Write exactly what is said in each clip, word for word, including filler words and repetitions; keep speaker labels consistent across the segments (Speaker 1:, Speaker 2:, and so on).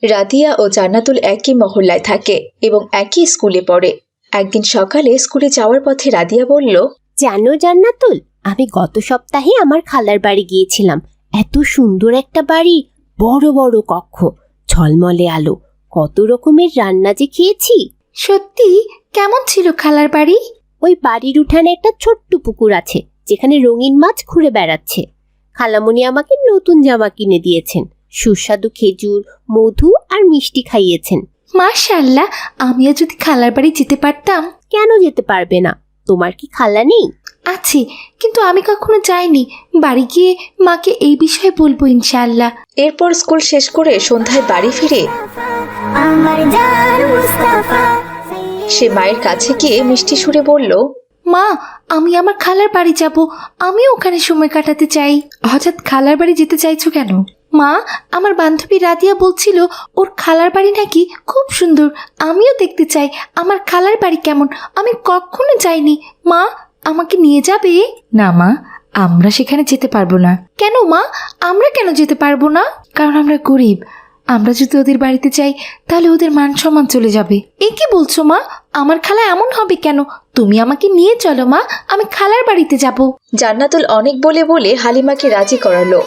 Speaker 1: রাদিয়া ও জান্নাতুল একই মহল্লায় থাকে এবং একই স্কুলে পড়ে। একদিন সকালে স্কুলে যাওয়ার পথে রাদিয়া বলল,
Speaker 2: জানো জান্নাতুল, আমি গত সপ্তাহে আমার খালার বাড়ি গিয়েছিলাম। এত সুন্দর একটা বাড়ি, বড় বড় কক্ষ, ঝলমলে আলো, কত রকমের রান্না যে খেয়েছি।
Speaker 3: সত্যি? কেমন ছিল খালার বাড়ি?
Speaker 2: ওই বাড়ির উঠানে একটা ছোট্ট পুকুর আছে যেখানে রঙিন মাছ ঘুরে বেড়াচ্ছে। খালামণি আমাকে নতুন জামা কিনে দিয়েছেন, সুস্বাদু খেজুর, মধু আর মিষ্টি খাইয়েছেন।
Speaker 3: মাশাআল্লাহ, আমিও যদি খালার বাড়ি যেতে পারতাম।
Speaker 2: কেন যেতে পারবে না? তোমার কি খালা নেই?
Speaker 3: আছে, কিন্তু আমি কখনো যাইনি। বাড়ি গিয়ে মাকে এই বিষয়ে বলবো ইনশাআল্লাহ।
Speaker 1: এরপর স্কুল শেষ করে সন্ধ্যায় বাড়ি ফিরে সে মায়ের কাছে গিয়ে মিষ্টি সুরে বলল,
Speaker 3: মা, আমি আমার খালার বাড়ি যাব, আমিও ওখানে সময় কাটাতে চাই। হঠাৎ খালার বাড়ি যেতে চাইছো কেন? মা, আমার বান্ধবী রাদিয়া বলছিল ওর খালার বাড়ি নাকি খুব সুন্দর। আমিও দেখতে চাই আমার খালার বাড়ি কেমন। আমি কখনো যাইনি। মা, আমাকে নিয়ে যাবে? না মা, আমরা সেখানে যেতে পারবো না। কেন মা? আমরা কেন যেতে পারবো না? কারণ আমরা গরিব। আমরা যদি ওদের বাড়িতে যাই তাহলে ওদের মান সম্মান চলে যাবে। এ কি বলছো মা? আমার খালা এমন হবে কেন? তুমি আমাকে নিয়ে চলো মা, আমি খালার বাড়িতে যাব।
Speaker 1: জান্নাতুল অনেক বলে বলে হালিমাকে রাজি করালো।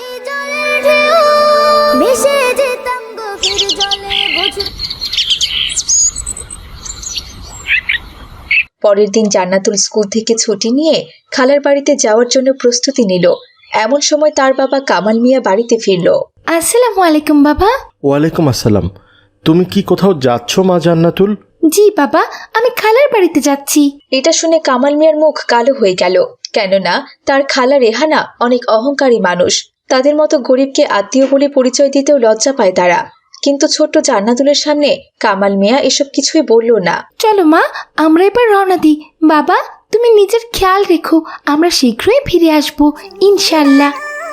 Speaker 1: পরের দিন জান্নাতুল স্কুল থেকে ছুটি নিয়ে খালার বাড়িতে যাওয়ার জন্য প্রস্তুতি নিল। এমন সময় তার বাবা কামাল মিয়া বাড়িতে ফিরল।
Speaker 3: আসসালামু আলাইকুম বাবা।
Speaker 4: ওয়ালাইকুম আসসালাম। তুমি কি কোথাও যাচ্ছ মা জান্নাতুল?
Speaker 3: জি বাবা, আমি খালার বাড়িতে যাচ্ছি।
Speaker 1: এটা শুনে কামাল মিয়ার মুখ কালো হয়ে গেল, কেননা তার খালা রেহানা অনেক অহংকারী মানুষ। তাদের মতো গরিবকে আত্মীয় বলে পরিচয় দিতেও লজ্জা পায় তারা। কিন্তু ছোট্ট জান্নাতুলের সামনে কামাল মিয়া এসব কিছুই বলল না।
Speaker 3: চলো মা, আমরা এবার রওনা দিই। বাবা, তুমি নিজের খেয়াল রেখো, আমরা শীঘ্রই ফিরে আসবো ইনশাআল্লাহ।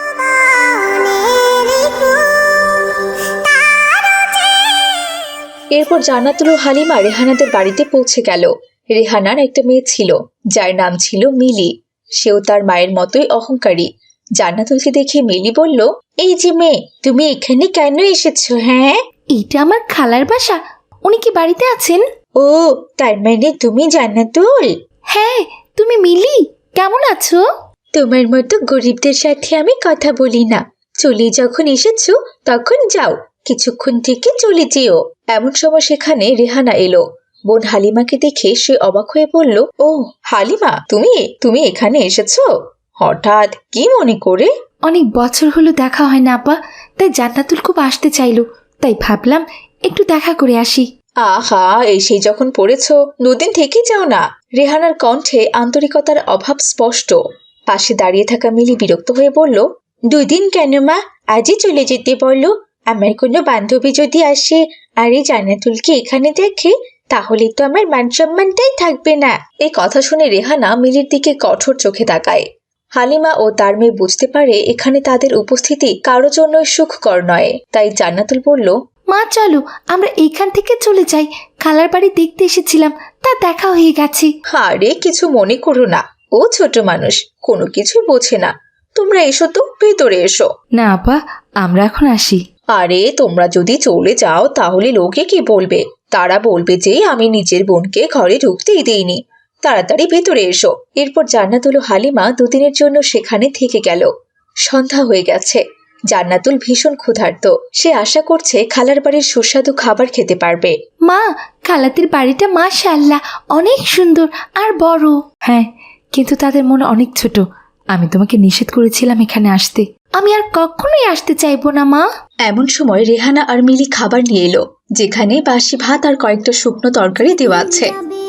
Speaker 1: এরপর জান্নাতুল ও হালিমা রেহানাদের বাড়িতে পৌঁছে গেল। রেহানার একটা মেয়ে ছিল যার নাম ছিল মিলি। সেও তার মায়ের মতোই অহংকারী। জান্নাতুলকে দেখে মিলি বলল, এই যে মেয়ে, তুমি এখানে কেন এসেছো? হ্যাঁ,
Speaker 3: এটা আমার খালার বাসা। উনি কি বাড়িতে আছেন?
Speaker 1: ও, তার মানে তুমি জান্নাতুল?
Speaker 3: হ্যাঁ, তুমি মিলি, কেমন আছো?
Speaker 1: তোমার মতো গরিবদের সাথে আমি কথা বলি না। চলে যখন এসেছো তখন যাও, কিছুক্ষণ থেকে চলে যেও। এমন সময় সেখানে রেহানা এলো। বোন হালিমাকে দেখে সে অবাক হয়ে বলল, ও হালিমা, তুমি তুমি এখানে এসেছো হঠাৎ, কি মনে করে?
Speaker 3: অনেক বছর হলো দেখা হয় না আপা, তাই জান্নাতুল খুব আসতে চাইলো, তাই ভাবলাম একটু দেখা করে আসি।
Speaker 1: আহা, এসে যখন পড়েছো দুদিন থেকে যাও না। রেহানার কণ্ঠে আন্তরিকতার অভাব স্পষ্ট। পাশে দাঁড়িয়ে থাকা মিলি বিরক্ত হয়ে বলল, দুই দিন কেন মা, আজই চলে যেতে বললো। আমার কোনো বান্ধবী যদি আসে আর এই জান্নাতুলকে এখানে দেখে তাহলে তো আমার মান সম্মানটাই থাকবে না। এই কথা শুনে রেহানা মিলির দিকে কঠোর চোখে তাকায়। হালিমা ও তার মেয়ে বুঝতে পারে এখানে তাদের উপস্থিতি কারো জন্য সুখকর নয়। তাই জান্নাতুল বলল,
Speaker 3: মা চলো আমরা এইখান থেকে চলে যাই। খালার বাড়ি দেখতে এসেছিলাম, তা দেখা হয়ে গেছে।
Speaker 1: আরে কিছু মনে করো না, ও ছোট মানুষ, কোনো কিছু বোঝে না। তোমরা এসো তো, ভেতরে এসো।
Speaker 3: না আপা, আমরা এখন আসি।
Speaker 1: আরে তোমরা যদি চলে যাও তাহলে লোকে কি বলবে? তারা বলবে যে আমি নিজের বোনকে ঘরে ঢুকতেই দেইনি। তাড়াতাড়ি ভেতরে এসো। এরপর জান্নাতুল ও হালিমা দুদিনের জন্য সেখানে থেকে গেল। সন্ধ্যা হয়ে গেছে। জান্নাতুল ভীষণ ক্ষুধার্ত। সে আশা করছে খালার বাড়ির সুস্বাদু খাবার খেতে পারবে।
Speaker 3: মা, খালাদের বাড়িটা মাশাআল্লাহ অনেক সুন্দর আর বড়। হ্যাঁ, কিন্তু তাদের মন অনেক ছোট। আমি তোমাকে নিষেধ করেছিলাম এখানে আসতে। আমি আর কখনোই আসতে চাইবো না মা।
Speaker 1: এমন সময় রেহানা আর মিলি খাবার নিয়ে এলো, যেখানে বাসি ভাত আর কয়েকটা শুকনো তরকারি দেওয়া আছে।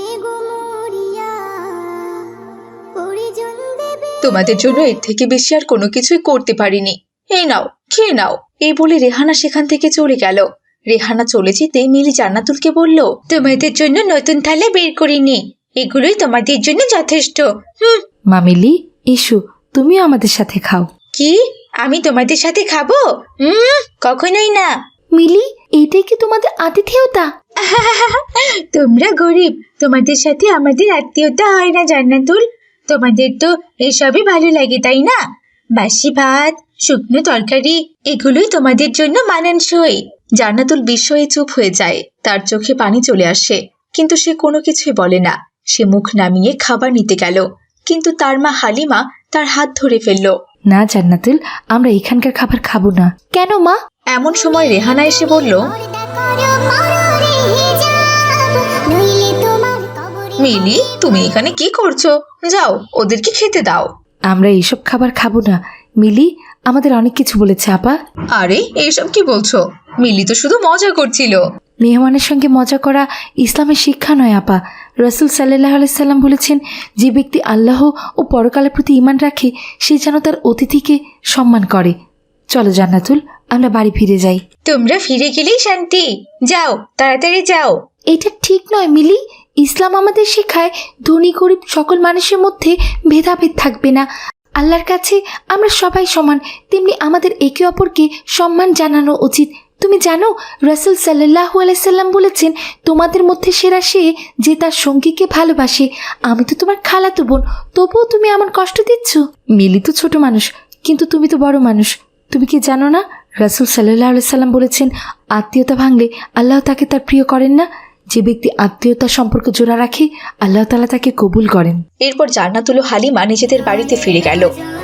Speaker 1: তোমাদের জন্য এর থেকে বেশি আর কোনো কিছুই করতে পারিনি। এই নাও, খেয়ে নাও। এই বলে রেহানা সেখান থেকে চলে গেল। রেহানা চলে যেতে মিলি জান্নাতুলকে বলল, তোমাদের জন্য নতুন থালা বের করিনি, এগুলোই তোমাদের জন্য যথেষ্ট। হুম।
Speaker 3: মা মিলি, এসো, তুমিও আমাদের সাথে খাও।
Speaker 1: কি? আমি তোমাদের সাথে খাবো? হুম, কখনোই না।
Speaker 3: মিলি, এইটাই কি তোমাদের আতিথেয়তা?
Speaker 1: তোমরা গরিব, তোমাদের সাথে আমাদের আত্মীয়তা হয় না জান্নাতুল। তোমাদের তো এসবই ভালো লাগে, তাই না? বাসি ভাত, শুকনো তরকারি, এগুলোই তোমাদের জন্য মানানসই। জান্নাতুল বিস্ময়ে চুপ হয়ে যায়, তার চোখে পানি চলে আসে, কিন্তু সে কোনো কিছুই বলে না। সে মুখ নামিয়ে খাবার নিতে গেল, কিন্তু তার মা হালিমা তার হাত ধরে ফেলল।
Speaker 3: না জান্নাতুল, আমরা এখানকার খাবার খাবো না। কেন মা?
Speaker 1: এমন সময় রেহানা এসে বলল, মিলি, তুমি এখানে কি করছো? যাও, ওদেরকে খেতে দাও।
Speaker 3: আমরা এইসব খাবার খাবো না। মিলি আমাদের অনেক কিছু বলেছে আপা।
Speaker 1: আরে এইসব কি বলছো? মিলি তো শুধু মজা করছিল।
Speaker 3: মেহমানের সঙ্গে মজা করা ইসলামের শিক্ষা নয় আপা। রসুল সাল্লাহ আলাইসাল্লাম বলেছেন, যে ব্যক্তি আল্লাহ ও পরকালের প্রতি ঈমান রাখে সে যেন তার অতিথিকে সম্মান করে। চলো জান্নাতুল, আমরা বাড়ি ফিরে যাই।
Speaker 1: তোমরা ফিরে গেলেই শান্তি। যাও, তাড়াতাড়ি যাও।
Speaker 3: এটা ঠিক নয় মিলি। ইসলাম আমাদের শেখায় ধনী গরিব সকল মানুষের মধ্যে ভেদাভেদ থাকবে না। আল্লাহর কাছে আমরা সবাই সমান, তেমনি আমাদের একে অপরকে সম্মান জানানো উচিত। তুমি জানো রাসূল সাল্লাল্লাহু আলাইহি সাল্লাম বলেছেন, তোমাদের মধ্যে সেরা সে যে তার সঙ্গীকে ভালোবাসে। আমি তো তোমার খালাতো বোন, তবুও তুমি এমন কষ্ট দিচ্ছ। মিলি তো ছোট মানুষ, কিন্তু তুমি তো বড় মানুষ। তুমি কি জানো না রাসূল সাল্লাল্লাহু আলাইহি সাল্লাম বলেছেন, আত্মীয়তা ভাঙলে আল্লাহ তাকে তার প্রিয় করেন না। যে ব্যক্তি আত্মীয়তার সম্পর্ক জোড়া রাখে আল্লাহ তাআলা তাকে কবুল করেন।
Speaker 1: এরপর জান্নাতুল ও হালিমা নিজেদের বাড়িতে ফিরে গেল।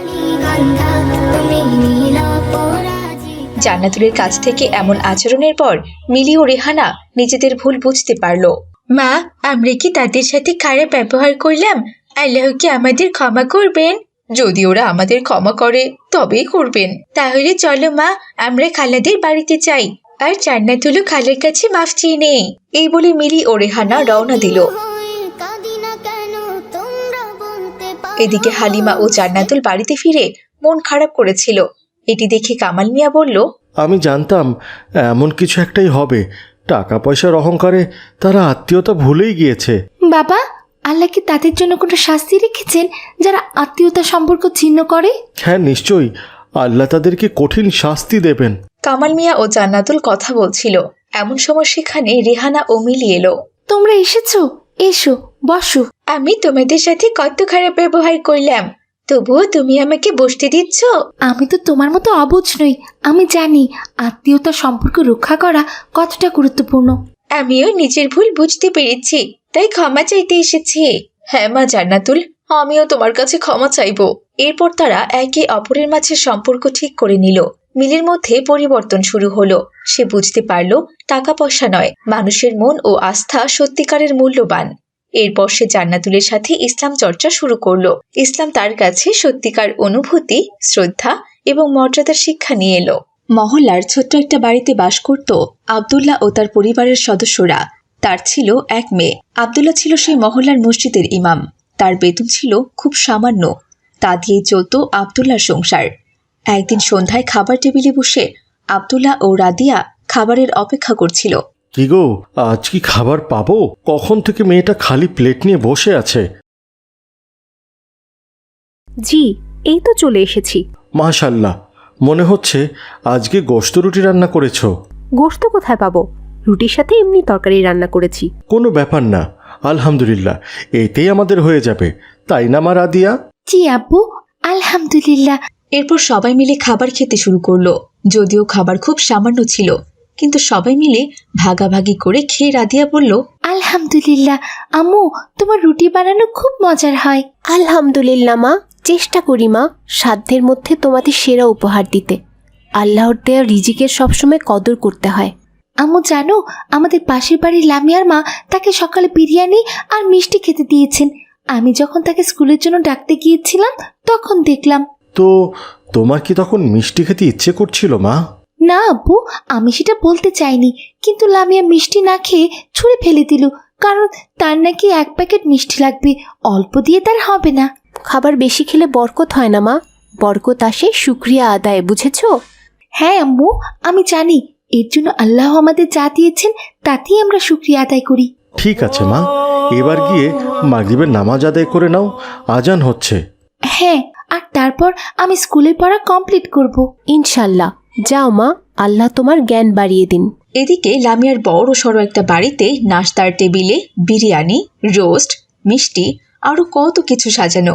Speaker 1: জান্নাতুলের কাছ থেকে এমন আচরণের পর মিলি ও রেহানা নিজেদের ভুল বুঝতে পারল। মা, আমরা কি তাদের সাথে খারাপ ব্যবহার করলাম? আল্লাহ কি আমাদের ক্ষমা করবেন? যদি ওরা আমাদের ক্ষমা করে তবেই করবেন। তাহলে চলো মা, আমরা খালাদের বাড়িতে যাই, আর জান্নাতুল ও খালার কাছে মাফ চেয়ে নেই। এই বলে মিলি ও রেহানা রওনা দিল। এদিকে হালিমা ও জান্নাতুল বাড়িতে ফিরে মন খারাপ করেছিল। এটি দেখে কামাল মিয়া বলল,
Speaker 4: আমি জানতাম এমন কিছু একটাই হবে। টাকা পয়সার অহংকারে তারা আত্মীয়তা ভুলেই গিয়েছে।
Speaker 3: বাবা, আল্লাহ কি তাদের জন্য কোনো শাস্তি রেখেছেন যারা আত্মীয়তা সম্পর্ক ছিন্ন করে?
Speaker 4: হ্যাঁ, নিশ্চয়ই আল্লাহ তাদেরকে কঠিন শাস্তি দেবেন।
Speaker 1: কামাল মিয়া ও জান্নাতুল কথা বলছিল, এমন সময় সেখানে রেহানা ও মিলি এলো।
Speaker 3: তোমরা এসেছো, এসো বসো।
Speaker 1: আমি তোমাদের সাথে কত খারাপ ব্যবহার করলাম, তবুও তুমি আমাকে বসতে দিচ্ছ?
Speaker 3: আমি তো তোমার মতো অবুঝ নই। আমি জানি আত্মীয়তার সম্পর্ক রক্ষা করা কতটা গুরুত্বপূর্ণ।
Speaker 1: আমিও নিজের ভুল বুঝতে পেরেছি, তাই ক্ষমা চাইতে এসেছি। হ্যাঁ মা জান্নাতুল, আমিও তোমার কাছে ক্ষমা চাইবো। এরপর তারা একে অপরের মাঝে সম্পর্ক ঠিক করে নিল। মিলির মধ্যে পরিবর্তন শুরু হলো। সে বুঝতে পারল টাকা পয়সা নয়, মানুষের মন ও আস্থা সত্যিকারের মূল্যবান। এরপর সে জান্নাতুলের সাথে ইসলাম চর্চা শুরু করলো। ইসলাম তার কাছে সত্যিকার অনুভূতি, শ্রদ্ধা এবং মর্যাদার শিক্ষা নিয়ে এলো। মহল্লার ছোট্ট একটা বাড়িতে বাস করত আব্দুল্লাহ ও তার পরিবারের সদস্যরা। তার ছিল এক মেয়ে। আব্দুল্লাহ ছিল সেই মহল্লার মসজিদের ইমাম। তার বেতন ছিল খুব সামান্য, তা দিয়েই চলত আব্দুল্লাহর সংসার। একদিন সন্ধ্যায় খাবার টেবিলে বসে আব্দুল্লাহ ও রাদিয়া খাবারের অপেক্ষা করছিল।
Speaker 4: কি গো, আজ কি খাবার পাবো? কখন থেকে মেয়েটা খালি প্লেট নিয়ে বসে আছে।
Speaker 2: জি, এই তো চলে এসেছি।
Speaker 4: মাশাআল্লাহ, মনে হচ্ছে আজকে গোশত রুটি রান্না করেছো।
Speaker 2: গোশত কোথায় পাবো? রুটির সাথে এমনি তরকারি রান্না করেছি।
Speaker 4: কোনো ব্যাপার না, আলহামদুলিল্লাহ, এতেই আমাদের হয়ে যাবে, তাই না মা রাদিয়া?
Speaker 3: জি আব্বু, আলহামদুলিল্লাহ।
Speaker 1: এরপর সবাই মিলে খাবার খেতে শুরু করলো। যদিও খাবার খুব সামান্য ছিল, কিন্তু সবাই মিলে ভাগাভাগি করে খেয়ে রাদিয়া বলল,
Speaker 3: আলহামদুলিল্লাহ আম্মু, তোমার রুটি বানানো খুব মজার হয়।
Speaker 2: আলহামদুলিল্লাহ মা, চেষ্টা করি মা সাধ্যের মধ্যে তোমাদের সেরা উপহার দিতে। আল্লাহর দেয়া রিজিকের সবসময় কদর করতে হয়।
Speaker 3: আম্মু জানো, আমাদের পাশের বাড়ির লামিয়ার মা তাকে সকালে বিরিয়ানি আর মিষ্টি খেতে দিয়েছেন। আমি যখন তাকে স্কুলের জন্য ডাকতে গিয়েছিলাম তখন দেখলাম।
Speaker 4: তো তোমার কি তখন মিষ্টি খেতে ইচ্ছে করছিল মা?
Speaker 3: না আব্বু, আমি সেটা বলতে চাইনি, কিন্তু লামিয়া মিষ্টি না খেয়ে ছুঁড়ে ফেলে দিল, কারণ তার নাকি এক প্যাকেট মিষ্টি লাগবে, অল্প দিয়ে তার হবে না।
Speaker 2: খাবার বেশি খেলে বরকত হয় না মা, বরকত আসে শুকরিয়া আদায়, বুঝেছো?
Speaker 3: হ্যাঁ আম্মু, আমি জানি, এর জন্য আল্লাহ আমাদের যা দিয়েছেন তাতেই আমরা শুকরিয়া আদায় করি।
Speaker 4: ঠিক আছে মা, এবার গিয়ে মাগরিবের নামাজ আদায় করে নাও, আজান হচ্ছে।
Speaker 3: হ্যাঁ, আর তারপর আমি স্কুলের পড়া কমপ্লিট করব
Speaker 2: ইনশাল্লাহ। যাও মা, আল্লাহ তোমার জ্ঞান বাড়িয়ে দিন।
Speaker 1: এদিকে লামিয়ার বড় সড়ো একটা বাড়িতে নাস্তার টেবিলে বিরিয়ানি, রোস্ট, মিষ্টি আরো কত কিছু সাজানো।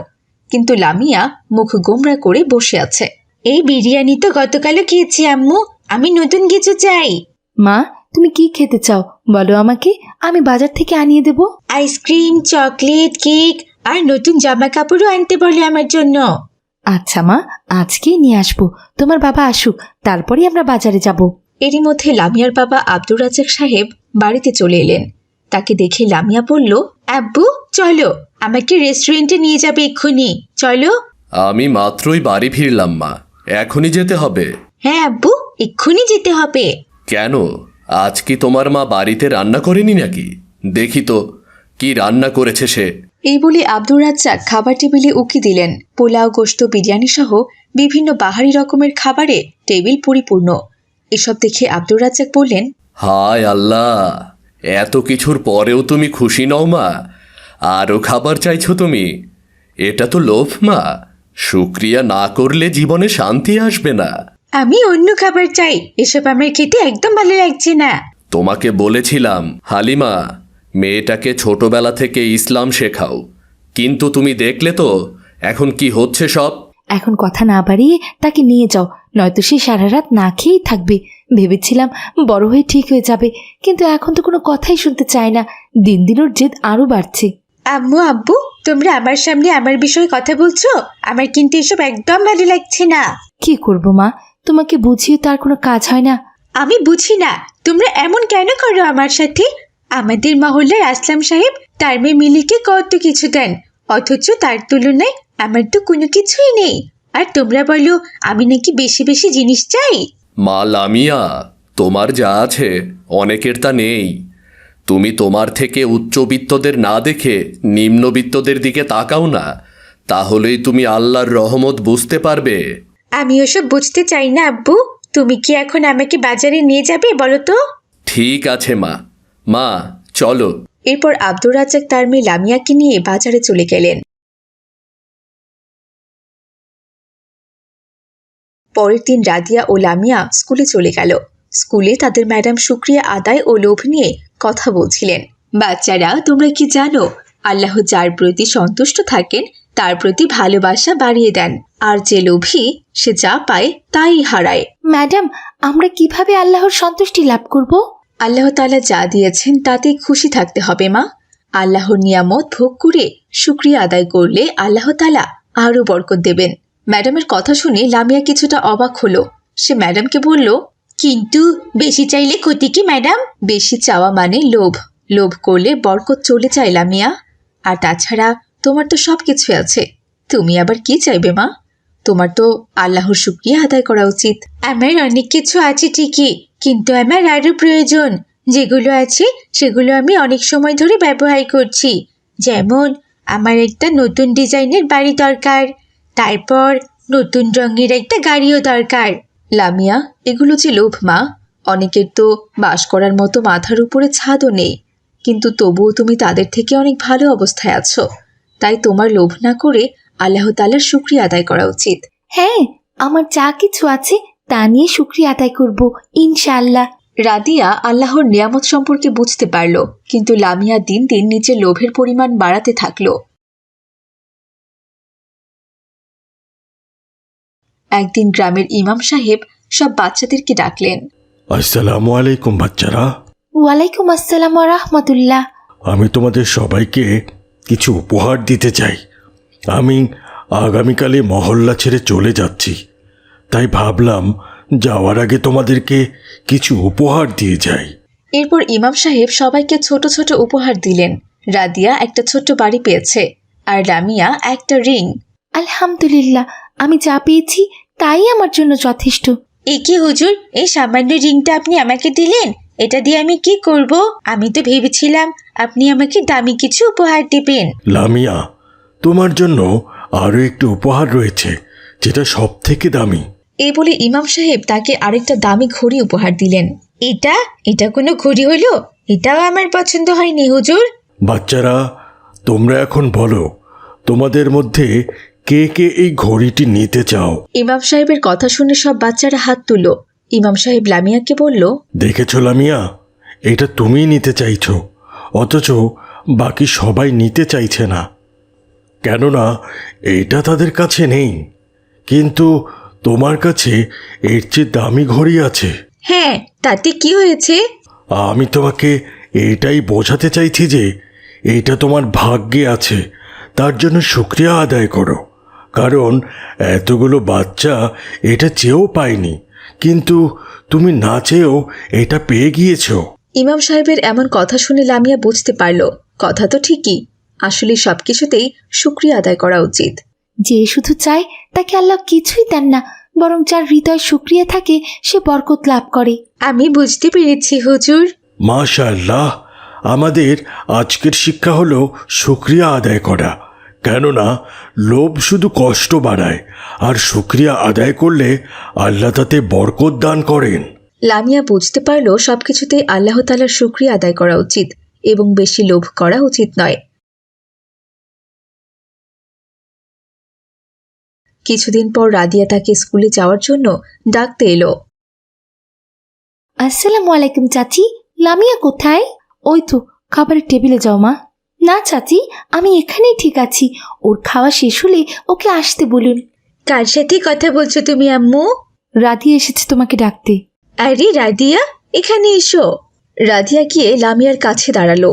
Speaker 1: কিন্তু লামিয়া মুখ গোমরা করে বসে আছে। এই বিরিয়ানি তো গতকালও খেয়েছি আম্মু, আমি নতুন কিছু চাই।
Speaker 3: মা, তুমি কি খেতে চাও বলো আমাকে, আমি বাজার থেকে আনিয়ে দেব।
Speaker 1: আইসক্রিম, চকলেট, কেক আর নতুন জামা কাপড়ও আনতে বলে আমার জন্য।
Speaker 3: আচ্ছা মা, আজকেই নিয়ে আসবো, তোমার বাবা আসুক তারপরে আমরা বাজারে যাব।
Speaker 1: এরই মধ্যে লামিয়ার বাবা আব্দুর রাজ্জাক সাহেব বাড়িতে চলে এলেন। তাকে দেখে লামিয়া বলল, আব্বু চলো, আমাকে রেস্টুরেন্টে নিয়ে যাবে এক্ষুনি, চলো।
Speaker 5: আমি মাত্রই বাড়ি ফিরলাম মা, এখনই যেতে হবে?
Speaker 1: হ্যাঁ আব্বু, এক্ষুনি যেতে হবে।
Speaker 5: কেন, আজ কি তোমার মা বাড়িতে রান্না করেনি নাকি? দেখি তো কি রান্না করেছে সে।
Speaker 1: এই বলে আব্দুর রাজ্জাক খাবার টেবিলে উকি দিলেন। পোলাও, গোশত, বিরিয়ানি সহ বিভিন্ন বাহারি রকমের খাবারে টেবিল পরিপূর্ণ। এসব দেখে আব্দুর রাজ্জাক বললেন,
Speaker 5: হায় আল্লাহ, এত কিছুর পরেও তুমি খুশি নও মা? আরও খাবার চাইছো তুমি? এটা তো লোভ মা, শুকরিয়া না করলে জীবনে শান্তি আসবে না।
Speaker 1: আমি অন্য খাবার চাই, এসব আমার খেতে একদম ভালো লাগছে না।
Speaker 5: তোমাকে বলেছিলাম হালিমা, মেয়েটাকে ছোটবেলা থেকে ইসলাম শেখাও, কিন্তু তুমি দেখলে তো এখন কি হচ্ছে সব।
Speaker 3: এখন কথা না বাড়িয়ে তাকে নিয়ে যাও, নয়তো সে সারা রাত না খেয়েই থাকবে। ভেবেছিলাম বড় হয়ে ঠিক হয়ে যাবে, কিন্তু এখন তো কোনো কথাই শুনতে চায় না। দিন দিন ওর জেদ আরও বাড়ছে।
Speaker 1: আম্মু, আব্বু, তোমরা আমার সামনে আমার বিষয়ে কথা বলছো, আমার কিন্তু এসব একদম ভালো লাগছে না।
Speaker 3: কি করব মা, তোমাকে বুঝিয়ে তো আর কোনো কাজ হয় না।
Speaker 1: আমি বুঝি না তোমরা এমন কেন করো আমার সাথে। আমাদের মহল্লার আসলাম সাহেব তার মেয়ে মিলিকে কত কিছু দেন, অথচ তার তুলনায় আমার তো কোনো কিছুই নেই। আর তোমরা বলো আমি নাকি বেশি বেশি জিনিস চাই।
Speaker 5: মা লামিয়া, তোমার যা আছে অনেকের তা নেই। তুমি তোমার থেকে উচ্চবিত্তদের না দেখে নিম্নবিত্তদের দিকে তাকাও না, তাহলেই তুমি আল্লাহর রহমত বুঝতে পারবে।
Speaker 1: আমি ওসব বুঝতে চাই না আব্বু, তুমি কি এখন আমাকে বাজারে নিয়ে যাবে বলো তো?
Speaker 5: ঠিক আছে মা, মা চলো।
Speaker 1: এরপর আব্দুর রাজ্জাক তার মেয়ে লামিয়াকে নিয়ে বাজারে চলে গেলেন। পরের দিন রাদিয়া ও লামিয়া স্কুলে চলে গেল। স্কুলে তাদের ম্যাডাম শুকরিয়া আদায় ও লোভ নিয়ে কথা বলছিলেন। বাচ্চারা, তোমরা কি জানো, আল্লাহ যার প্রতি সন্তুষ্ট থাকেন তার প্রতি ভালোবাসা বাড়িয়ে দেন, আর যে লোভী সে যা পায় তাই হারায়।
Speaker 3: ম্যাডাম, আমরা কিভাবে আল্লাহর সন্তুষ্টি লাভ করব?
Speaker 1: আল্লাহ তাআলা যা দিয়েছেন তাতে খুশি থাকতে হবে মা। আল্লাহর নিয়ামত ভোগ করে শুকরিয়া আদায় করলে আল্লাহ তাআলা আরও বরকত দেবেন। ম্যাডামের কথা শুনে লামিয়া কিছুটা অবাক হলো। সে ম্যাডামকে বলল, কিন্তু বেশি চাইলে ক্ষতি কি ম্যাডাম? বেশি চাওয়া মানে লোভ, লোভ করলে বরকত চলে যায় লামিয়া। আর তাছাড়া তোমার তো সব কিছু আছে, তুমি আবার কি চাইবে মা? তোমার তো আল্লাহর শুকরিয়া আদায় করা উচিত। আমার অনেক কিছু আছে ঠিকই, কিন্তু আমার আরও প্রয়োজন। যেগুলো আছে সেগুলো আমি অনেক সময় ধরে ব্যবহার করছি। যেমন আমার একটা নতুন ডিজাইনের বাড়ি দরকার, তারপর নতুন রঙের একটা গাড়িও দরকার। লামিয়া, এগুলো যে লোভ মা। অনেকের তো বাস করার মতো মাথার উপরে ছাদও নেই, কিন্তু তবুও তুমি তাদের থেকে অনেক ভালো অবস্থায় আছো। তাই তোমার লোভ না করে আল্লাহ তাআলার শুকরিয়া আদায় করা উচিত।
Speaker 3: হ্যাঁ, আমার যা কিছু আছে তা নিয়ে শুকরিয়া আদায় করব ইনশাআল্লাহ।
Speaker 1: রাদিয়া আল্লাহর নিয়ামত সম্পর্কে বুঝতে পারল, কিন্তু লামিয়া দিন দিন নিজের লোভের পরিমাণ বাড়াতে থাকলো। একদিন গ্রামের ইমাম সাহেব সব বাচ্চাদেরকে ডাকলেন।
Speaker 4: আসসালামু আলাইকুম বাচ্চারা।
Speaker 3: ওয়ালাইকুম আসসালাম ওয়া রাহমাতুল্লাহ।
Speaker 4: আমি তোমাদের সবাইকে কিছু উপহার দিতে চাই। আমি আগামীকালে মহল্লা ছেড়ে চলে যাচ্ছি, তাই ভাবলাম যাওয়ার আগে তোমাদেরকে কিছু উপহার দিয়ে যাই।
Speaker 1: এরপর ইমাম সাহেব সবাইকে ছোট ছোট উপহার দিলেন। রাদিয়া একটা ছোট্ট বাড়ি পেয়েছে, আর লামিয়া একটা রিং।
Speaker 3: আলহামদুলিল্লাহ, আমি যা পেয়েছি তাই আমার জন্য যথেষ্ট।
Speaker 1: এ কি হুজুর, এই সামান্য রিংটা আপনি আমাকে দিলেন? এটা দিয়ে আমি কি করব? আমি তো ভেবেছিলাম আপনি আমাকে দামি কিছু উপহার দেবেন।
Speaker 4: লামিয়া, তোমার জন্য আরও একটি উপহার রয়েছে, যেটা সব থেকে দামি।
Speaker 1: এই বলে ইমাম সাহেব তাকে আরেকটা দামি ঘড়ি উপহার দিলেন। এটা এটা কোনো ঘড়ি হলো? এটাও আমার পছন্দ হয়নি হুজুর।
Speaker 4: বাচ্চারা, তোমরা এখন বলো, তোমাদের মধ্যে কে কে এই ঘড়িটি নিতে চাও?
Speaker 1: ইমাম সাহেবের কথা শুনে সব বাচ্চারা হাত তুলল। ইমাম সাহেব লামিয়াকে বলল,
Speaker 4: দেখেছো লামিয়া, এটা তুমিই নিতে চাইছো, অথচ বাকি সবাই নিতে চাইছে না। কেননা এইটা তাদের কাছে নেই, কিন্তু তোমার কাছে এর চেয়ে দামি ঘড়ি আছে।
Speaker 1: হ্যাঁ, তাতে কি হয়েছে?
Speaker 4: আমি তোমাকে এটাই বোঝাতে চাইছি যে এইটা তোমার ভাগ্যে আছে, তার জন্য শুক্রিয়া আদায় করো। কারণ এতগুলো বাচ্চা এটা চেয়েও পায়নি, কিন্তু তুমি না চেয়েও এটা পেয়ে গিয়েছো।
Speaker 1: ইমাম সাহেবের এমন কথা শুনে লামিয়া বুঝতে পারল কথা তো ঠিকই, আসলে সবকিছুতেই শুকরিয়া আদায় করা উচিত।
Speaker 3: যে শুধু চায় তাকে আল্লাহ কিছুই দেন না, বরং যার হৃদয় শুকরিয়া থাকে সে বরকত লাভ করে।
Speaker 1: আমি বুঝতে পেরেছি হুজুর।
Speaker 4: মাশাআল্লাহ, আমাদের আজকের শিক্ষা হলো শুকরিয়া আদায় করা। কেননা লোভ শুধু কষ্ট বাড়ায়, আর শুকরিয়া আদায় করলে আল্লাহ তাতে বরকত দান করেন।
Speaker 1: লামিয়া বুঝতে পারল সবকিছুতেই আল্লাহ তাআলার শুকরিয়া আদায় করা উচিত এবং বেশি লোভ করা উচিত নয়। কিছুদিন পর রাদিয়া তাকে স্কুলে যাওয়ার জন্য ডাকতে এলো।
Speaker 3: আসসালামু আলাইকুম চাচি, লামিয়া কোথায়? ওই তো খাবারের টেবিলে যাও মা। না চাচি, আমি এখানেই ঠিক আছি, ওর খাওয়া শেষ হলে ওকে আসতে বলুন।
Speaker 1: কার সাথে কথা বলছো তুমি আম্মু?
Speaker 3: রাধিয়া এসেছে তোমাকে ডাকতে।
Speaker 1: আরে রাদিয়া, এখানে এসো। রাদিয়া গিয়ে লামিয়ার কাছে দাঁড়ালো।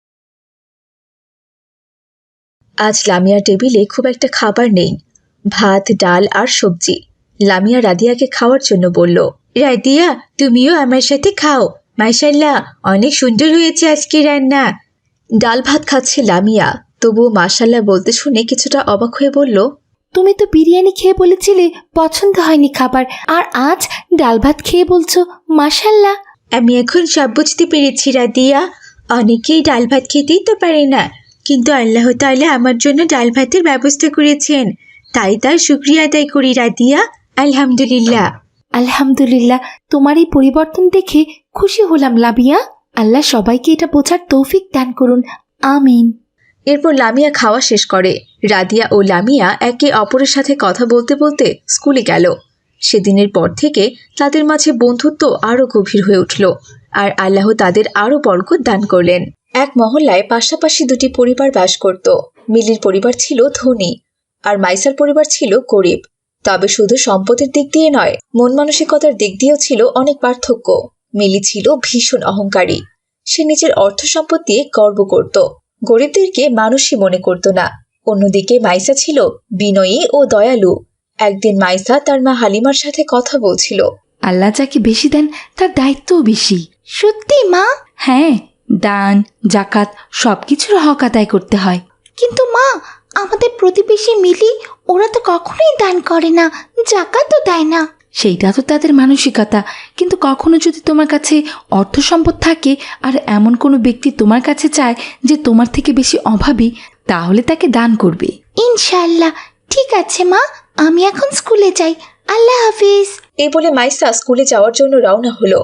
Speaker 1: আজ লামিয়ার টেবিলে খুব একটা খাবার নেই, ভাত, ডাল আর সবজি। লামিয়া রাদিয়াকে খাওয়ার জন্য বলল, রাদিয়া তুমিও আমার সাথে খাও, মাশাআল্লাহ অনেক সুন্দর হয়েছে আজকে রান্না। ডাল ভাত খাচ্ছে লামিয়া, তবুও মাশাআল্লাহ বলতে শুনে কিছুটা অবাক হয়ে বলল,
Speaker 3: তুমি তো বিরিয়ানি খেয়ে বলেছিলে পছন্দ হয়নি খাবার, আর আজ ডাল ভাত খেয়ে বলছো মাশাআল্লাহ।
Speaker 1: আমি এখন সব বুঝতে পেরেছি রাদিয়া, অনেকেই ডাল ভাত খেতেই তো পারে না, কিন্তু আল্লাহ তাআলা আমার জন্য ডাল ভাতের ব্যবস্থা করেছেন, তাই তার শুকরিয়া আদায় করি রাদিয়া, আলহামদুলিল্লাহ।
Speaker 3: আলহামদুলিল্লাহ, তোমার এই পরিবর্তন দেখে খুশি হলাম লামিয়া। আল্লাহ সবাইকে এটা বোঝার তৌফিক দান করুন, আমিন।
Speaker 1: এরপর লামিয়া খাওয়া শেষ করে। রাদিয়া ও লামিয়া একে অপরের সাথে কথা বলতে বলতে স্কুলে গেল। সেদিনের পর থেকে তাদের মাঝে বন্ধুত্ব আরও গভীর হয়ে উঠল, আর আল্লাহ তাদের আরও বরকত দান করলেন। এক মহল্লায় পাশাপাশি দুটি পরিবার বাস করত। মিলির পরিবার ছিল ধনী আর মাইসার পরিবার ছিল গরিব। তবে শুধু সম্পদের দিক দিয়ে নয়, মন মানসিকতার দিক দিয়েও ছিল অনেক পার্থক্য। মিলি ছিল ভীষণ অহংকারী, সে নিজের অর্থ সম্পদ দিয়ে গর্ব করত, গরিবদেরকে মানুষই মনে করত না। অন্যদিকে মাইসা ছিল বিনয়ী ও দয়ালু। একদিন মাইসা তার মা হালিমার সাথে কথা বলছিল।
Speaker 3: আল্লাহ যাকে বেশি দেন তার দায়িত্বও বেশি। সত্যি মা? হ্যাঁ, দান জাকাত সবকিছুর হক আদায় করতে হয়। কিন্তু মা, আমাদের প্রতিবেশী মিলি ওরা তো কখনোই দান করে না, জাকাতও দেয় না। সেইটা তো তাদের মানসিকতা, কিন্তু কখনো যদি তোমার কাছে অর্থ সম্পদ থাকে আর এমন কোনো ব্যক্তি তোমার কাছে চায় যে তোমার থেকে বেশি অভাবী, তাহলে তাকে দান করবে। ইনশাআল্লাহ। ঠিক আছে মা, আমি এখন স্কুলে যাই। আল্লাহ হাফিজ।
Speaker 1: এই বলে মাইসা স্কুলে যাওয়ার জন্য রওনা হলো।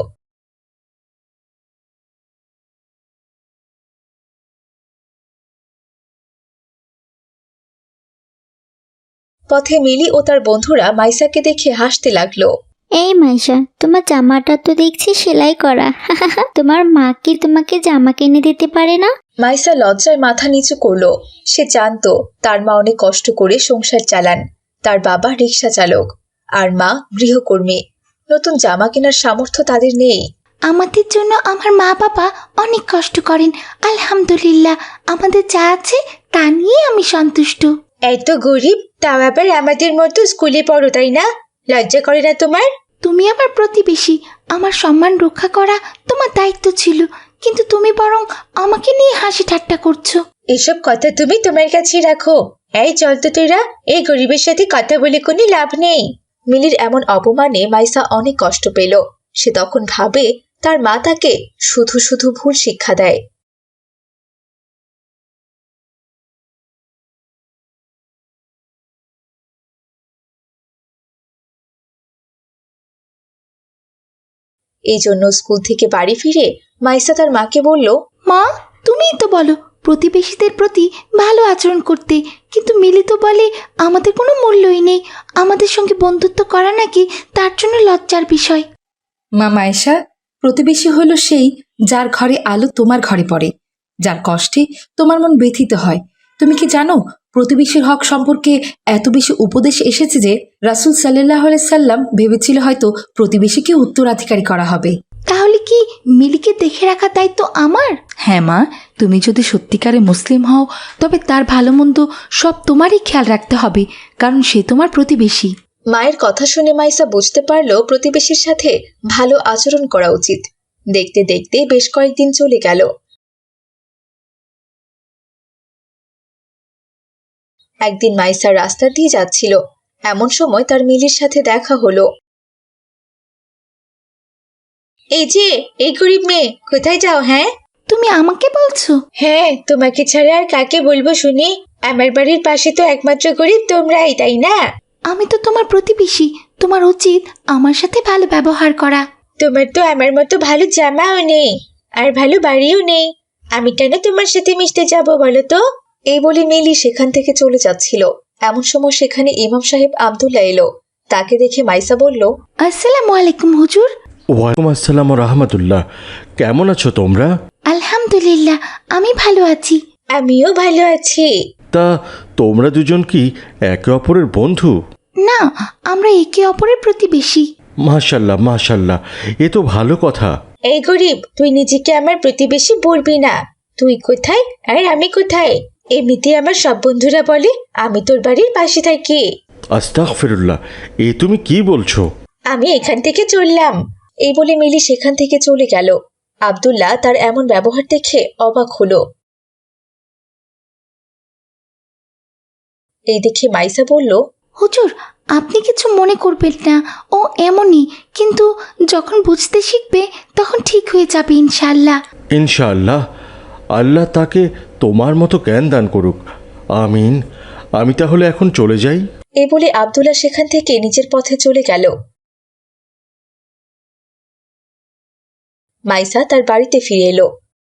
Speaker 1: পথে মিলি ও তার বন্ধুরা মাইসাকে দেখে হাসতে লাগলো।
Speaker 6: এই মাইশা, তোমার জামাটা তো দেখছি সেলাই করা। তোমার মা কি তোমাকে জামা কিনে দিতে পারে না?
Speaker 1: মাইসা লজ্জায় মাথা নিচু করলো। সে জানতো তার মা অনেক কষ্ট করে সংসার চালান, তার বাবা রিক্সা চালক আর মা গৃহকর্মী। নতুন জামা কেনার সামর্থ্য তাদের নেই।
Speaker 3: আমাদের জন্য আমার মা বাবা অনেক কষ্ট করেন, আলহামদুলিল্লাহ। আমাদের যা আছে তা নিয়ে আমি সন্তুষ্ট।
Speaker 1: এত গরিব, তাও আবার আমাদের মতো স্কুলে পড়ো, তাই না? লজ্জা করে না তোমার?
Speaker 3: তুমি আমার প্রতিবেশী, আমার সম্মান রক্ষা করা তোমার দায়িত্ব ছিল, কিন্তু তুমি বরং আমাকে নিয়ে হাসি ঠাট্টা করছো।
Speaker 1: এসব কথা তুমি তোমার কাছে রাখো। এই চল তো তোরা, এই গরিবের সাথে কথা বলে কোনো লাভ নেই। মিলির এমন অপমানে মাইসা অনেক কষ্ট পেল। সে তখন ভাবে তার মা তাকে শুধু শুধু ভুল শিক্ষা দেয়। এই জন্য স্কুল থেকে বাড়ি ফিরে মাইসা তার মাকে বলল,
Speaker 3: মা, তুমিই তো বলো প্রতিবেশীদের প্রতি ভালো আচরণ করতে, কিন্তু মিলি তো বলে আমাদের কোনো মূল্যই নেই, আমাদের সঙ্গে বন্ধুত্ব করা নাকি তার জন্য লজ্জার বিষয়।
Speaker 7: মা মায়েশা, প্রতিবেশী হল সেই যার ঘরে আলো তোমার ঘরে পড়ে, যার কষ্টে তোমার মন ব্যথিত হয়। তুমি কি জানো প্রতিবেশীর হক সম্পর্কে এত বেশি উপদেশ এসেছে যে রাসূল সাল্লাল্লাহু আলাইহি সাল্লাম ভেবেছিল হয়তো প্রতিবেশীকে উত্তরাধিকারী করা হবে।
Speaker 3: তাহলে কি মিলিকে দেখে রাখার দায়িত্ব আমার? হ্যাঁ মা, তুমি যদি সত্যিকারে মুসলিম হও তবে তার ভালো মন্দ সব তোমারই খেয়াল রাখতে হবে, কারণ সে তোমার প্রতিবেশী।
Speaker 1: মায়ের কথা শুনে মাইসা বুঝতে পারল প্রতিবেশীর সাথে ভালো আচরণ করা উচিত। দেখতে দেখতে বেশ কয়েকদিন চলে গেল। একদিন মাইসা রাস্তা দিয়ে যাচ্ছিল, এমন সময় তার মিলির সাথে দেখা হলো। এই যে, এই গরিব মেয়ে, কোথায় যাও? হ্যাঁ
Speaker 3: তুমি আমাকে বলছো?
Speaker 1: হ্যাঁ, তোমাকে ছাড়া আর কাকে বলবো শুনি? আমার বাড়ির পাশে তো একমাত্র গরিব তোমরাই, তাই না?
Speaker 3: আমি তো তোমার প্রতিবেশী, তোমার উচিত আমার সাথে ভালো ব্যবহার করা।
Speaker 1: তোমার তো আমার মতো ভালো জামাও নেই আর ভালো বাড়িও নেই, আমি কেন তোমার সাথে মিশতে যাব বলো তো? এই বলে মিলি সেখান থেকে চলে যাচ্ছিল। এমন সময় সেখানে ইমাম সাহেব আব্দুল্লাহ এলো। তাকে দেখে মাইসা বলল,
Speaker 3: আসসালামু আলাইকুম হুজুর।
Speaker 4: ওয়ালাইকুম আসসালাম রহমতুল্লাহ। কেমন আছো তোমরা?
Speaker 3: আলহামদুলিল্লাহ, আমি ভালো আছি।
Speaker 1: আমিও ভালো আছি।
Speaker 4: তা তোমরা দুজন কি একে অপরের বন্ধু?
Speaker 3: না, আমরা একে অপরের প্রতিবেশী।
Speaker 4: মাশাল্লাহ মাশাল্লাহ, এ তো ভালো কথা।
Speaker 1: এই গরিব, তুই নিজেকে আমার প্রতিবেশী বলবি না। তুই কোথায় আর আমি কোথায়? এমনিতে আমার সব বন্ধুরা বলে আমি তোর বাড়ির পাশে থাকি।
Speaker 4: আস্তাগফিরুল্লাহ, এ তুমি কি বলছো?
Speaker 1: আমি এখান থেকে চললাম। এই বলে মিলি সেখান থেকে চলে গেল। আব্দুল্লাহ তার এমন ব্যবহার দেখে অবাক হলো। এই দেখে মাইসা বলল,
Speaker 3: হুজুর, আপনি কিছু মনে করবেন না, ও এমনই, কিন্তু যখন বুঝতে শিখবে তখন ঠিক হয়ে যাবে ইনশাআল্লাহ।
Speaker 4: ইনশাআল্লাহ, আল্লাহ তাকে তোমার মতো জ্ঞান দান করুক। আমিন। আমি তাহলে এখন চলে যাই।
Speaker 1: এই বলে আব্দুল্লাহ সেখান থেকে নিজের পথে চলে গেল। মাইসা তার বাড়িতে ফিরে এলো।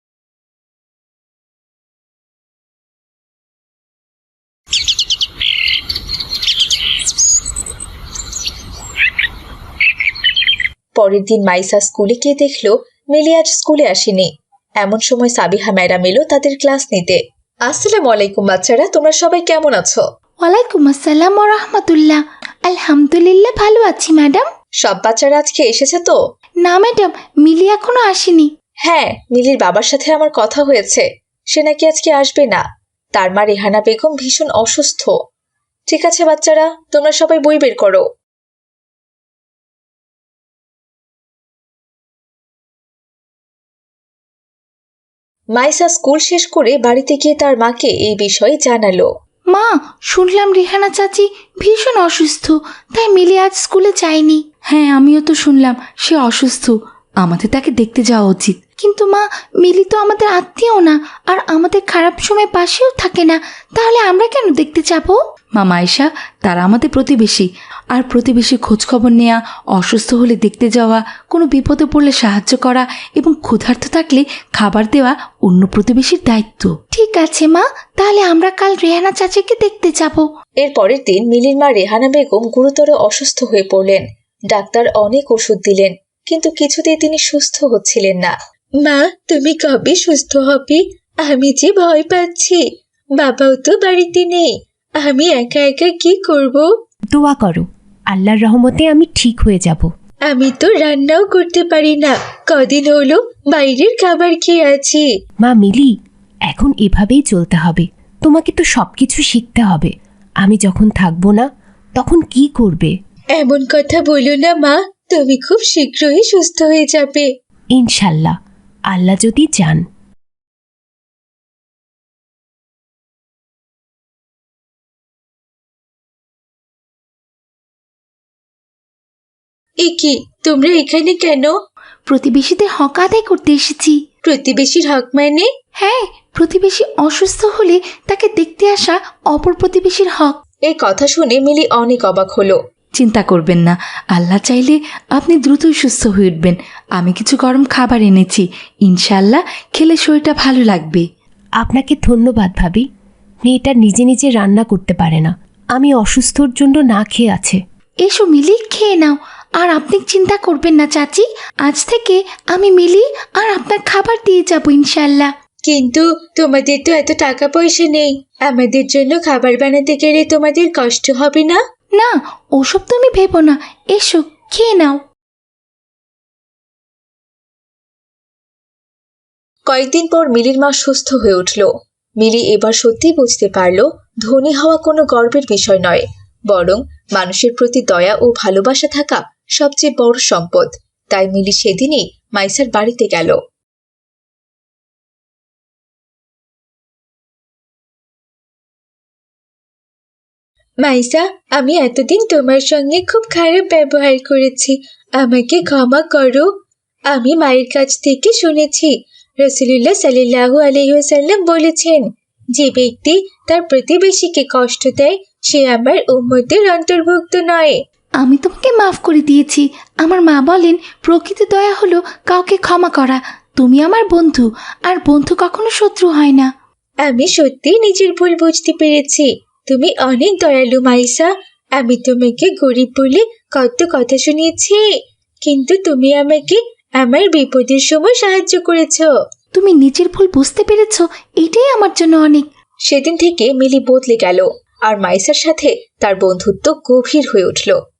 Speaker 1: পরের দিন মাইসা স্কুলে গিয়ে দেখলো মিলি আজ স্কুলে আসেনি। এমন সময় সাবিহা ম্যাডাম এলো তাদের ক্লাস নিতে। আসসালামু আলাইকুম বাচ্চারা, তোমরা সবাই কেমন আছো?
Speaker 3: ওয়ালাইকুম আসসালাম ওয়া রাহমাতুল্লাহ। আলহামদুলিল্লাহ, ভালো আছি ম্যাডাম।
Speaker 1: সব বাচ্চারা আজকে এসেছে তো?
Speaker 3: না ম্যাডাম, মিলি এখনো আসেনি।
Speaker 1: হ্যাঁ, মিলির বাবার সাথে আমার কথা হয়েছে, সে নাকি আজকে আসবে না। তার মা রেহানা বেগম ভীষণ অসুস্থ। ঠিক আছে বাচ্চারা, তোমরা সবাই বই বের করো। মাইসা স্কুল শেষ করে বাড়িতে গিয়ে তার মাকে এই বিষয়ে জানালো।
Speaker 3: মা, শুনলাম রেহানা চাচি ভীষণ অসুস্থ, তাই মিলি আজ স্কুলে যায়নি। হ্যাঁ, আমিও তো শুনলাম সে অসুস্থ, আমাদের তাকে দেখতে যাওয়া উচিত। কিন্তু মা, মিলি তো আমাদের আত্মীয় না, আর আমাদের খারাপ সময় পাশেও থাকে না, তাহলে আমরা কেন দেখতে যাব? মা মাইশা, তারা আমাদের প্রতিবেশী, আর প্রতিবেশী খোঁজখবর নেওয়া, অসুস্থ হলে দেখতে যাওয়া, কোনো বিপদে পড়লে সাহায্য করা এবং ক্ষুধার্ত থাকলে খাবার দেওয়া অন্য প্রতিবেশীর দায়িত্ব। ঠিক আছে মা, তাহলে আমরা কাল রেহানা চাচিকে দেখতে যাব।
Speaker 1: এর পরের দিন মিলির মা রেহানা বেগম গুরুতর অসুস্থ হয়ে পড়লেন। ডাক্তার অনেক ওষুধ দিলেন, কিন্তু কিছুতেই তিনি সুস্থ হচ্ছিলেন না। মা, তুমি কবে সুস্থ হবে? আমি যে ভয় পাচ্ছি। বাবাও তো বাড়িতে নেই, আমি একা একা কি করব?
Speaker 2: দোয়া করো, আল্লাহর রহমতে আমি ঠিক হয়ে যাব।
Speaker 1: আমি তো রান্নাও করতে পারি না, কদিন হলো বাইরের খাবার খেয়ে আছি।
Speaker 2: মা মিলি, এখন এভাবেই চলতে হবে। তোমাকে তো সব কিছু শিখতে হবে। আমি যখন থাকবো না তখন কি করবে?
Speaker 1: এমন কথা বলো না মা, তুমি খুব শীঘ্রই সুস্থ হয়ে যাবে।
Speaker 2: ইনশাল্লাহ, আল্লাহ যদি চান।
Speaker 1: এ কি, তোমরা এখানে কেন?
Speaker 3: প্রতিবেশীদের হক আদায় করতে এসেছি।
Speaker 1: প্রতিবেশীর হক মানে?
Speaker 3: হ্যাঁ, প্রতিবেশী অসুস্থ হলে তাকে দেখতে আসা অপর প্রতিবেশীর হক।
Speaker 1: এই কথা শুনে মিলি অনেক অবাক হলো।
Speaker 3: চিন্তা করবেন না, আল্লাহ চাইলে আপনি দ্রুতই সুস্থ হয়ে উঠবেন। আমি কিছু গরম খাবার এনেছি, ইনশাল্লাহ খেলে শরীরটা ভালো লাগবে।
Speaker 2: আপনাকে ধন্যবাদ ভাবি। মেয়েটা নিজে নিজে রান্না করতে পারে না, আমি অসুস্থর জন্য না খেয়ে আছে।
Speaker 3: এসো মিলি, খেয়ে নাও। আর আপনি চিন্তা করবেন না চাচি, আজ থেকে আমি মিলি আর আপনার খাবার দিয়ে যাবো ইনশাল্লাহ।
Speaker 1: কিন্তু তোমাদের তো এত টাকা পয়সা নেই, আমাদের জন্য খাবার বানাতে গেলে তোমাদের কষ্ট হবে না?
Speaker 3: না, ওসব তুমি ভেবো না, এসো খেয়ে নাও।
Speaker 1: কয়েকদিন পর মিলির মা সুস্থ হয়ে উঠল। মিলি এবার সত্যিই বুঝতে পারল ধনী হওয়া কোনো গর্বের বিষয় নয়, বরং মানুষের প্রতি দয়া ও ভালোবাসা থাকা সবচেয়ে বড় সম্পদ। তাই মিলি সেদিনই মাইসার বাড়িতে গেল। মাইসা, আমি এতদিন তোমার সঙ্গে খুব খারাপ ব্যবহার করেছি, আমাকে ক্ষমা করো। আমি মায়ের কাছ থেকে শুনেছি রাসূলুল্লাহ সাল্লাল্লাহু আলাইহি ওয়াসাল্লাম বলেছেন, যে ব্যক্তি তার প্রতিবেশীকে কষ্ট দেয় সে আমার উম্মতের অন্তর্ভুক্ত নয়।
Speaker 3: আমি তোমাকে মাফ করে দিয়েছি। আমার মা বলেন প্রকৃত দয়া হলো কাউকে ক্ষমা করা। তুমি আমার বন্ধু, আর বন্ধু কখনো শত্রু হয় না।
Speaker 1: আমি সত্যি নিজের ভুল বুঝতে পেরেছি। তুমি অনেক দয়ালু মাইসা। আমি তোমাকে গরিব বলে কত কথা শুনিয়েছি, কিন্তু তুমি আমাকে আমার বিপদের সময় সাহায্য করেছো।
Speaker 3: তুমি নিজের ভুল বুঝতে পেরেছো, এটাই আমার জন্য অনেক।
Speaker 1: সেদিন থেকে মিলি বদলে গেল, আর মাইসার সাথে তার বন্ধুত্ব গভীর হয়ে উঠল।